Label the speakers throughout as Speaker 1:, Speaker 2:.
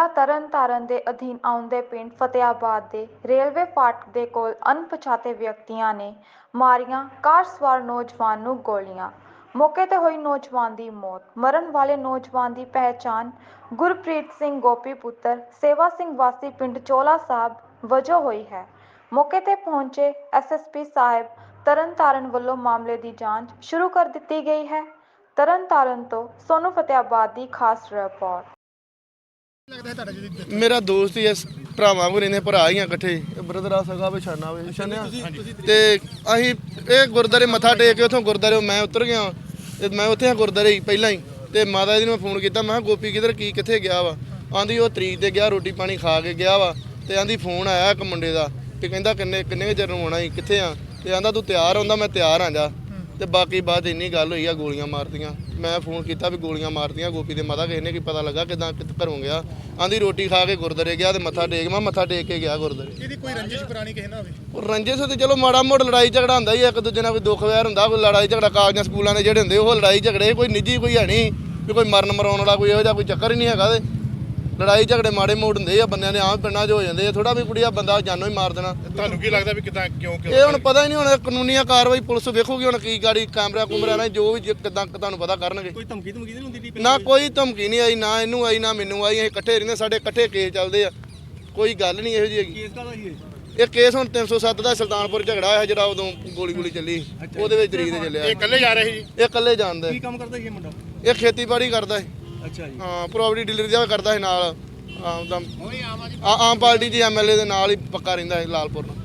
Speaker 1: ਜ਼ਿਲ੍ਹਾ ਤਰਨਤਾਰਨ ਦੇ ਅਧੀਨ ਆਉਂਦੇ ਪਿੰਡ ਫਤਿਆਬਾਦ ਦੇ ਰੇਲਵੇ ਫਾਟਕ ਦੇ ਕੋਲ ਅਣਪਛਾਤੇ ਵਿਅਕਤੀਆਂ ਨੇ ਮਾਰੀਆਂ ਕਾਰ ਸਵਾਰ ਨੌਜਵਾਨ ਨੂੰ ਗੋਲੀਆਂ। ਮੌਕੇ ਤੇ ਹੋਈ ਨੌਜਵਾਨ ਦੀ ਮੌਤ। ਮਰਨ ਵਾਲੇ ਨੌਜਵਾਨ ਦੀ ਪਹਿਚਾਣ ਗੁਰਪ੍ਰੀਤ ਸਿੰਘ ਗੋਪੀ ਪੁੱਤਰ ਸੇਵਾ ਸਿੰਘ ਵਾਸੀ ਪਿੰਡ ਚੋਲਾ ਸਾਹਿਬ ਵਜੋਂ ਹੋਈ ਹੈ। ਮੌਕੇ ਤੇ ਪਹੁੰਚੇ ਐਸਐਸਪੀ ਸਾਹਿਬ ਤਰਨਤਾਰਨ ਵੱਲੋਂ ਮਾਮਲੇ ਦੀ ਜਾਂਚ ਸ਼ੁਰੂ ਕਰ ਦਿੱਤੀ ਗਈ ਹੈ। ਤਰਨਤਾਰਨ ਤੋਂ ਸੋਨੂ ਫਤਿਆਬਾਦ ਦੀ ਖਾਸ ਰਿਪੋਰਟ।
Speaker 2: मेरा दोस्त ही भरावां को रहंदे भरा ही इकट्ठे ब्रदर आ सगा बिछाना बिछाने ते असीं ਇਹ ਗੁਰਦਾਰੇ ਮੱਥਾ ਟੇਕ ਕੇ ਉੱਥੋਂ ਗੁਰਦਾਰੇ ਮੈਂ ਉਤਰ ਗਿਆ ਤੇ ਮੈਂ ਉੱਥੇ ਗੁਰਦਾਰੇ ਪਹਿਲਾਂ ਹੀ ਤੇ ਮਾਤਾ ਜੀ ਨੂੰ ਮੈਂ ਫੋਨ ਕੀਤਾ। ਮੈਂ ਗੋਪੀ ਕਿਧਰ ਕੀ ਕਿੱਥੇ ਗਿਆ ਵਾ? ਆਂਦੀ ਉਹ ਤਰੀਕ ਤੇ ਗਿਆ, ਰੋਟੀ ਪਾਣੀ ਖਾ ਕੇ ਗਿਆ ਵਾ ਤੇ ਆਂਦੀ ਫੋਨ ਆਇਆ ਇੱਕ ਮੁੰਡੇ ਦਾ ਤੇ ਕਹਿੰਦਾ ਕਿੰਨੇ ਚਿਰ ਨੂੰ ਆਉਣਾ ਸੀ, ਕਿੱਥੇ ਆ? ਤੇ ਆਂਦਾ ਤੂੰ ਤਿਆਰ ਹੁੰਦਾ? ਮੈਂ ਤਿਆਰ ਆ ਜਾ। ਤੇ ਬਾਕੀ ਬਾਅਦ ਇੰਨੀ ਗੱਲ ਹੋਈ ਆ ਗੋਲੀਆਂ ਮਾਰਤੀਆਂ। ਮੈਂ ਫੋਨ ਕੀਤਾ ਵੀ ਗੋਲੀਆਂ ਮਾਰਤੀਆਂ ਗੋਪੀ ਦੇ ਮਾਤਾ ਕਿਸੇ ਨੇ ਕੀ ਪਤਾ ਲੱਗਾ ਕਿਦਾਂ ਘਰੋਂ ਗਿਆ? ਆਂਦੀ ਰੋਟੀ ਖਾ ਕੇ ਗੁਰਦਾਰੇ ਗਿਆ ਤੇ ਮੱਥਾ ਟੇਕ ਮੈਂ ਮੱਥਾ ਟੇਕ ਕੇ ਗਿਆ ਗੁਰਦਾਰੇ।
Speaker 3: ਇਹਦੀ ਕੋਈ ਰੰਜਿਸ਼ ਪੁਰਾਣੀ ਕਿਸੇ ਨਾਲ ਹੋਵੇ?
Speaker 2: ਉਹ ਰੰਜਿਸ਼ ਤੇ ਚਲੋ ਮਾੜਾ ਮੋੜ ਲੜਾਈ ਝਗੜਾ ਹੁੰਦਾ ਹੀ ਇੱਕ ਦੂਜੇ ਨਾਲ, ਕੋਈ ਦੁੱਖ ਵੈਰ ਹੁੰਦਾ, ਕੋਈ ਲੜਾਈ ਝਗੜਾ ਕਾਲਜਾਂ ਸਕੂਲਾਂ ਦੇ ਜਿਹੜੇ ਹੁੰਦੇ ਉਹ ਲੜਾਈ ਝਗੜੇ ਕੋਈ ਨਿੱਜੀ ਕੋਈ ਹੈ ਨਹੀਂ ਵੀ ਕੋਈ ਮਰਨ ਮਰਾਉਣ ਵਾਲਾ ਕੋਈ ਇਹੋ ਜਿਹਾ ਕੋਈ ਚੱਕਰ ਹੀ ਨਹੀਂ ਹੈਗਾ। ਤੇ ਲੜਾਈ ਝਗੜੇ ਮਾੜੇ ਮੋੜ ਹੁੰਦੇ ਆ ਬੰਦਿਆਂ ਦੇ ਆਮ ਪਿੰਡਾਂ 'ਚ ਹੋ ਜਾਂਦੇ ਆ। ਥੋੜਾ ਵੀ ਕੁੜੀਆ ਬੰਦਾ ਜਾਨੋਂ ਹੀ ਮਾਰ ਦੇਣਾ।
Speaker 3: ਤੁਹਾਨੂੰ ਕੀ ਲੱਗਦਾ ਵੀ ਕਿਦਾਂ ਕਿਉਂ
Speaker 2: ਇਹ ਹੁਣ ਪਤਾ ਹੀ ਨਹੀਂ। ਹੁਣ ਕਾਨੂੰਨੀਆ ਕਾਰਵਾਈ ਪੁਲਿਸ ਵੇਖੂਗੀ ਹੁਣ ਕੀ ਗਾੜੀ ਕੈਮਰਾ ਕੁਮਰਾ ਨਾਲ ਜੋ ਵੀ ਕਿਦਾਂ ਤੁਹਾਨੂੰ ਪਤਾ ਕਰਨਗੇ।
Speaker 3: ਕੋਈ ਧਮਕੀ ਨਹੀਂ ਹੁੰਦੀ?
Speaker 2: ਨਾ ਕੋਈ ਧਮਕੀ ਨਹੀਂ ਆਈ, ਨਾ ਇਹਨੂੰ ਆਈ ਨਾ ਮੈਨੂੰ ਆਈ। ਅਸੀਂ ਇਕੱਠੇ ਰਹਿੰਦੇ, ਸਾਡੇ ਇਕੱਠੇ ਕੇਸ ਚੱਲਦੇ ਆ, ਕੋਈ ਗੱਲ ਨਹੀਂ ਇਹੋ ਜਿਹੀ ਹੈਗੀ।
Speaker 3: ਕੇਸ ਕਾਹਦਾ ਸੀ
Speaker 2: ਇਹ ਕੇਸ ਹੁਣ 307 ਦਾ ਸੁਲਤਾਨਪੁਰ ਝਗੜਾ ਹੋਇਆ ਜਿਹੜਾ ਉਦੋਂ ਗੋਲੀ ਚੱਲੀ ਉਹਦੇ ਵਿੱਚ ਤਰੀਕ ਤੇ ਚੱਲਿਆ।
Speaker 3: ਇਹ ਇਕੱਲੇ ਜਾ ਰਹੇ ਸੀ ਜੀ?
Speaker 2: ਇਹ ਇਕੱਲੇ ਜਾਣਦਾ।
Speaker 3: ਕੀ ਕੰਮ ਕਰਦਾ ਸੀ ਇਹ ਮੁੰਡਾ?
Speaker 2: ਇਹ ਖੇਤੀਬਾੜੀ ਕਰਦਾ ਹੈ।
Speaker 3: ਅੱਛਾ ਜੀ।
Speaker 2: ਹਾਂ, ਪ੍ਰੋਪਰਟੀ ਡੀਲਰ ਜਿਹਾ ਕਰਦਾ ਹੈ ਨਾਲ। ਆਮ ਪਾਰਟੀ ਦੀ ਐਮਐਲਏ ਦੇ ਨਾਲ ਹੀ ਪੱਕਾ ਰਹਿੰਦਾ ਹੈ ਲਾਲਪੁਰ ਨਾਲ।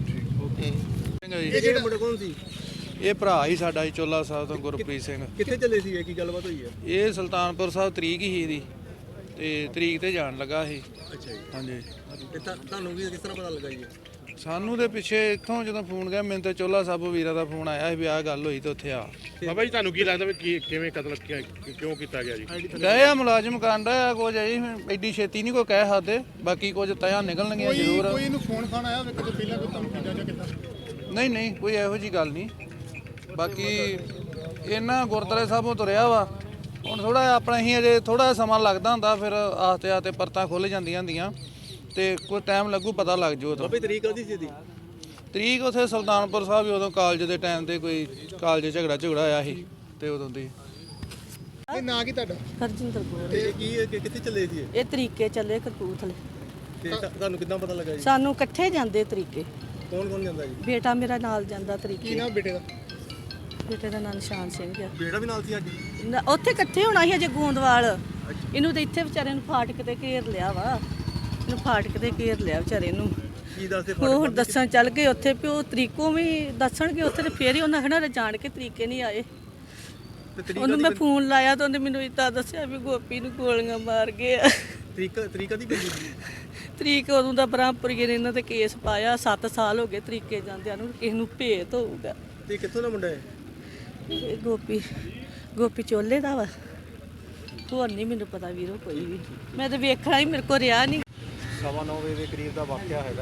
Speaker 3: ਇਹ ਜਿਹੜਾ ਮੁੰਡਾ ਕੌਣ ਸੀ?
Speaker 4: ਇਹ ਭਰਾ ਹੀ ਸਾਡਾ ਜੀ ਚੋਲਾ ਸਾਹਿਬ ਤੋਂ ਗੁਰਪ੍ਰੀਤ ਸਿੰਘ।
Speaker 3: ਕਿੱਥੇ ਚੱਲੇ ਸੀ? ਕੀ ਗੱਲਬਾਤ ਹੋਈ ਹੈ?
Speaker 4: ਇਹ ਸੁਲਤਾਨਪੁਰ ਸਾਹਿਬ ਤਰੀਕ ਹੀ ਇਹਦੀ ਤੇ ਤਰੀਕ ਤੇ ਜਾਣ ਲੱਗਾ ਇਹ।
Speaker 3: ਅੱਛਾ ਜੀ।
Speaker 4: ਹਾਂਜੀ।
Speaker 3: ਤੇ ਤੁਹਾਨੂੰ ਵੀ ਕਿਸ ਤਰ੍ਹਾਂ ਪਤਾ ਲੱਗਾ ਜੀ?
Speaker 4: ਸਾਨੂੰ ਦੇ ਪਿੱਛੇ ਇੱਥੋਂ ਜਦੋਂ ਫੋਨ ਗਿਆ ਮੈਨੂੰ ਤੇ ਚੋਲਾ ਸਾਹਿਬ ਵੀਰਾ ਦਾ ਫੋਨ ਆਇਆ ਸੀ ਵੀ ਆਹ ਗੱਲ ਹੋਈ ਤੇ ਉੱਥੇ ਆ।
Speaker 3: ਬਾਬਾ ਜੀ ਤੁਹਾਨੂੰ ਕੀ ਲੱਗਦਾ ਵੀ ਕਿਵੇਂ ਕਤਲ ਕਿਉਂ ਕੀਤਾ ਗਿਆ ਜੀ?
Speaker 4: ਗਏ ਆ ਮੁਲਾਜ਼ਮ ਕਾਂਡਾ ਆ ਕੁਝ ਜੀ ਐਡੀ ਛੇਤੀ ਨਹੀਂ ਕੋਈ ਕਹਿ ਸਕਦੇ, ਬਾਕੀ ਕੁਝ ਤਿਆ ਨਿਕਲਣਗੀਆਂ ਜ਼ਰੂਰ।
Speaker 3: ਕੋਈ ਇਹਨੂੰ ਫੋਨ ਖਾਣ ਆਇਆ ਕਿਤੇ ਪਹਿਲਾਂ ਕੋਈ ਧਮਕੀ ਜਾਂ ਕਿੱਦਾਂ?
Speaker 4: ਨਹੀਂ ਕੋਈ ਇਹੋ ਜੀ ਗੱਲ ਨਹੀਂ। ਬਾਕੀ ਇਹਨਾਂ ਗੁਰਦੁਆਰੇ ਸਾਹਿਬੋਂ ਤੁਰਿਆ ਵਾ। ਹੁਣ ਥੋੜਾ ਆਪਣਾ ਹੀ ਅਜੇ ਥੋੜਾ ਸਮਾਂ ਲੱਗਦਾ ਹੁੰਦਾ, ਫਿਰ ਆਸਤੇ ਆਸਤੇ ਪਰਤਾਂ ਖੁੱਲ ਜਾਂਦੀਆਂ ਹੁੰਦੀਆਂ ਤੇ ਕੋਈ ਟਾਈਮ ਲੱਗੂ, ਪਤਾ ਲੱਗ ਜੂ। ਉਦੋਂ
Speaker 3: ਬਾਬੇ ਤਰੀਕ ਕਦੀ ਸੀ ਦੀ?
Speaker 4: ਤਰੀਕ ਉੱਥੇ ਸੁਲਤਾਨਪੁਰ ਸਾਹਿਬ ਉਦੋਂ ਕਾਲਜ ਦੇ ਟਾਈਮ ਤੇ ਕੋਈ ਕਾਲਜ ਝਗੜਾ ਹੋਇਆ ਸੀ ਤੇ ਉਦੋਂ ਦੀ।
Speaker 3: ਇਹ ਨਾਂ ਕੀ ਤੁਹਾਡਾ?
Speaker 5: ਹਰਜਿੰਦਰ ਕੌਰ।
Speaker 3: ਤੇ ਕਿੱਥੇ ਚੱਲੇ ਸੀ
Speaker 5: ਇਹ ਤਰੀਕੇ ਚੱਲੇ ਕਪੂਰਥਲੇ।
Speaker 3: ਤੇ ਤੁਹਾਨੂੰ ਕਿੱਦਾਂ ਪਤਾ ਲੱਗਾ ਜੀ?
Speaker 5: ਸਾਨੂੰ ਇਕੱਠੇ ਜਾਂਦੇ ਤਰੀਕੇ।
Speaker 3: ਕੌਣ ਜਾਂਦਾ ਜੀ?
Speaker 5: ਬੇਟਾ ਮੇਰਾ ਨਾਲ ਜਾਂਦਾ
Speaker 3: ਕੀ
Speaker 5: ਤਰੀਕੇ।
Speaker 3: ਨਾਮ ਬੇਟੇ ਦਾ?
Speaker 5: ਬੇਟੇ ਦਾ ਨਾਂ ਨਿਸ਼ਾਨ ਸਿੰਘ ਆ।
Speaker 3: ਬੇਟਾ ਵੀ ਨਾਲ ਸੀ ਅੱਜ?
Speaker 5: ਉੱਥੇ ਇਕੱਠੇ ਹੋਣਾ ਸੀ ਅਜੇ ਗੋਂਦਵਾਲ। ਇਹਨੂੰ ਤਾਂ ਇੱਥੇ ਵਿਚਾਰੇ ਨੂੰ ਫਾਟਕ ਤੇ ਘੇਰ ਲਿਆ ਵਾ। ਇਹਨੂੰ ਫਾਟਕ ਤੇ ਘੇਰ ਲਿਆ ਵਿਚਾਰੇ ਨੂੰ।
Speaker 3: ਕੀ ਦੱਸਦੇ?
Speaker 5: ਉਹ ਦੱਸਣ ਚੱਲ ਗਏ ਉੱਥੇ ਵੀ ਉਹ ਤਰੀਕੋਂ ਵੀ ਦੱਸਣਗੇ ਉੱਥੇ ਤੇ ਫੇਰ ਹੀ ਉਹਨਾਂ ਕਹਿਣਾ ਜਾਣ ਕੇ ਤਰੀਕੇ ਨਹੀਂ ਆਏ। ਉਹਨੂੰ ਮੈਂ ਫੋਨ ਲਾਇਆ ਤਾਂ ਉਹਨੇ ਮੈਨੂੰ ਇੱਦਾਂ ਦੱਸਿਆ ਵੀ ਗੋਪੀ ਨੂੰ ਗੋਲੀਆਂ ਮਾਰ ਗਏ ਆ।
Speaker 3: ਤਰੀਕ ਦੀ ਪੈਂਦੀ ਸੀ?
Speaker 5: ਤਰੀਕ ਉਦੋਂ ਦਾ ਬ੍ਰਹਮਪੁਰੀਏ ਨੇ ਇਹਨਾਂ ਤੇ ਕੇਸ ਪਾਇਆ। 7 ਸਾਲ ਹੋ ਗਏ ਤਰੀਕੇ ਜਾਂਦਿਆਂ ਨੂੰ। ਕਿਸੇ ਨੂੰ ਭੇਤ ਹੋਊਗਾ।
Speaker 3: ਤੇ ਕਿੱਥੋਂ ਦਾ ਮੁੰਡਾ ਹੈ?
Speaker 5: ਇਹ ਗੋਪੀ ਚੋਲੇ ਦਾ ਵਾ। ਹੋਰ ਨਹੀਂ ਮੈਨੂੰ ਪਤਾ ਵੀਰੋ ਕੋਈ ਵੀ। ਮੈਂ ਤਾਂ ਵੇਖਣਾ ਹੀ ਮੇਰੇ ਕੋਲ ਰਿਹਾ ਨਹੀਂ।
Speaker 6: 9:15 ਵਜੇ ਦੇ ਕਰੀਬ ਦਾ ਵਾਕਿਆ ਹੈਗਾ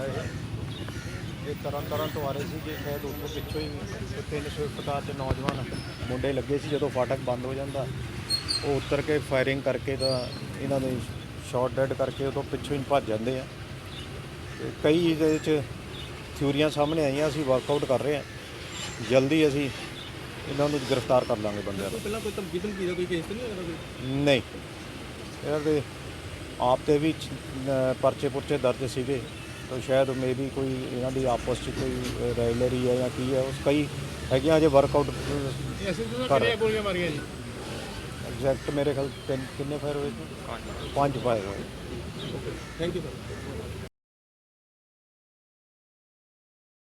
Speaker 6: ਇਹ ਤਰਨ ਤੋਂ ਆ ਰਹੇ ਸੀ ਜੇ ਸ਼ਾਇਦ ਉੱਥੋਂ ਪਿੱਛੋਂ ਹੀ 3 ਸਵਿਫਟ ਕਾਰ 'ਚ ਨੌਜਵਾਨ ਮੁੰਡੇ ਲੱਗੇ ਸੀ। ਜਦੋਂ ਫਾਟਕ ਬੰਦ ਹੋ ਜਾਂਦਾ ਉਹ ਉਤਰ ਕੇ ਫਾਇਰਿੰਗ ਕਰਕੇ ਤਾਂ ਇਹਨਾਂ ਦੇ ਸ਼ਾਟ ਡੈਡ ਕਰਕੇ ਉਦੋਂ ਪਿੱਛੋਂ ਹੀ ਭੱਜ ਜਾਂਦੇ ਆ। ਤੇ ਕਈ ਇਹਦੇ 'ਚ ਥਿਊਰੀਆਂ ਸਾਹਮਣੇ ਆਈਆਂ। ਅਸੀਂ ਵਰਕਆਊਟ ਕਰ ਰਹੇ ਹਾਂ, ਜਲਦੀ ਅਸੀਂ ਇਹਨਾਂ ਨੂੰ ਗ੍ਰਿਫਤਾਰ ਕਰ ਲਾਂਗੇ ਬੰਦਿਆਂ ਨੂੰ।
Speaker 3: ਪਹਿਲਾਂ ਕੋਈ ਧਮਕੀ ਦਾ ਕੋਈ ਕੇਸ ਤਾਂ ਨਹੀਂ ਹੋਇਆ ਕੋਈ?
Speaker 6: ਨਹੀਂ, ਇਹਨਾਂ ਦੇ ਆਪ ਤੇ ਵੀ ਪਰਚੇ ਪੁਰਚੇ ਦਰਜ ਸੀਗੇ ਤਾਂ ਸ਼ਾਇਦ ਮੇ ਵੀ ਕੋਈ ਇਹਨਾਂ ਦੀ ਆਪਸ 'ਚ ਕੋਈ ਰਾਇਲਰੀ ਹੈ ਜਾਂ ਕੀ ਹੈ ਉਸ ਕਈ ਹੈਗੀਆਂ ਅਜੇ ਵਰਕਆਊਟ ਕਰ।
Speaker 3: ਗੋਲੀਆਂ ਮਾਰੀਆਂ ਜੀ?
Speaker 6: ਐਗਜ਼ੈਕਟ ਮੇਰੇ ਖਿਆਲ ਕਿੰਨੇ ਫਾਇਰ ਹੋਏ ਸੀ? 5 ਫਾਇਰ ਹੋਏ।
Speaker 3: Thank you sir.